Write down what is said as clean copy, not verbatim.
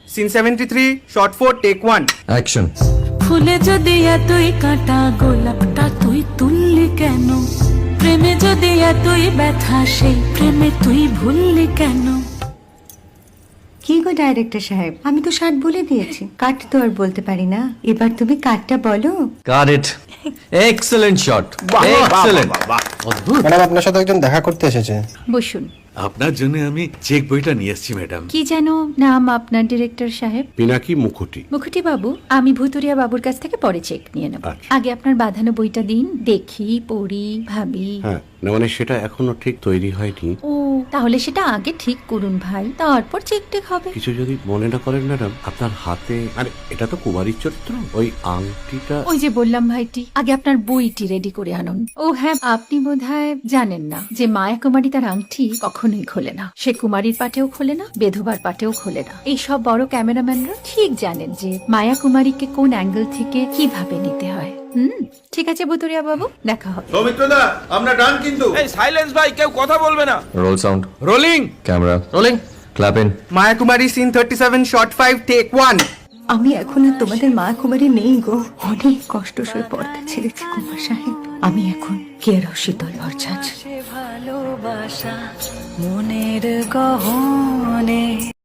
Scene 73 short 4 take 1 action. ফুলে যদি এতই কাটা গোলাপটা তুই তুললি কেন? প্রেমে যদি এতই ব্যথা সেই প্রেমে তুই ভুললি কেন? কি গো ডাইরেক্টর সাহেব, আমি তো 60 বলে দিয়েছি, কাট তো আর বলতে পারি না, এবার তুমি কাটটা বলো। Got it. Excellent shot, excellent. Madam আপনার সাথে একজন দেখা করতে এসেছে। বসুন। আপনার জন্য আমি চেক বইটা নিয়ে এসেছি ম্যাডাম। কি যেন নাম আপনার ডিরেক্টর সাহেব? পিনাকি মুখোটি। মুখুটি বাবু, আমি ভুতুরিয়া বাবুর কাছ থেকে পরে চেক নিয়ে নেব। আচ্ছা। আগে আপনার বাঁধানো বইটা দিন, দেখি, পড়ি, ভাবি। হ্যাঁ, না মানে সেটা এখনো ঠিক তৈরি হয়নি। ও, তাহলে সেটা আগে ঠিক করুন ভাই, তারপর চেক টেক হবে। কিছু যদি মনে না করেন ম্যাডাম, আপনার হাতে, আরে এটা তো কুমারীর চরিত্র, ওই আংটিটা। ওই যে বললাম ভাইটি, আগে আপনার বইটি রেডি করে আনুন। ও হ্যাঁ, আপনি বোধহয় জানেন না যে মায়া কুমারী তার আংটি কখনোই খোলে না। সে কুমারীর পাটেও খোলে না, বেধবার পাটেও খোলে না। এই সব বড় ক্যামেরাম্যানরা ঠিক জানেন যে মায়া কুমারীকে কোন অ্যাঙ্গেল থেকে কিভাবে নিতে হয়। ঠিক আছে ভুতুরিয়া বাবু, দেখা হবে। সৌমিত্রদা, আমরা ডান কিন্তু। এই সাইলেন্স ভাই, কেউ কথা বলবে না। Roll sound, rolling camera rolling, clap in. Maya Kumari scene 37 shot 5 take 1 আমি এখন আর তোমাদের মা কুমারী নেই গো, অনেক কষ্ট সয়ে পর্দা ছেড়েছি কুমার সাহেব। আমি এখন কেরও শীতল ভরছাছ। ভালোবাসা মনের গহনে।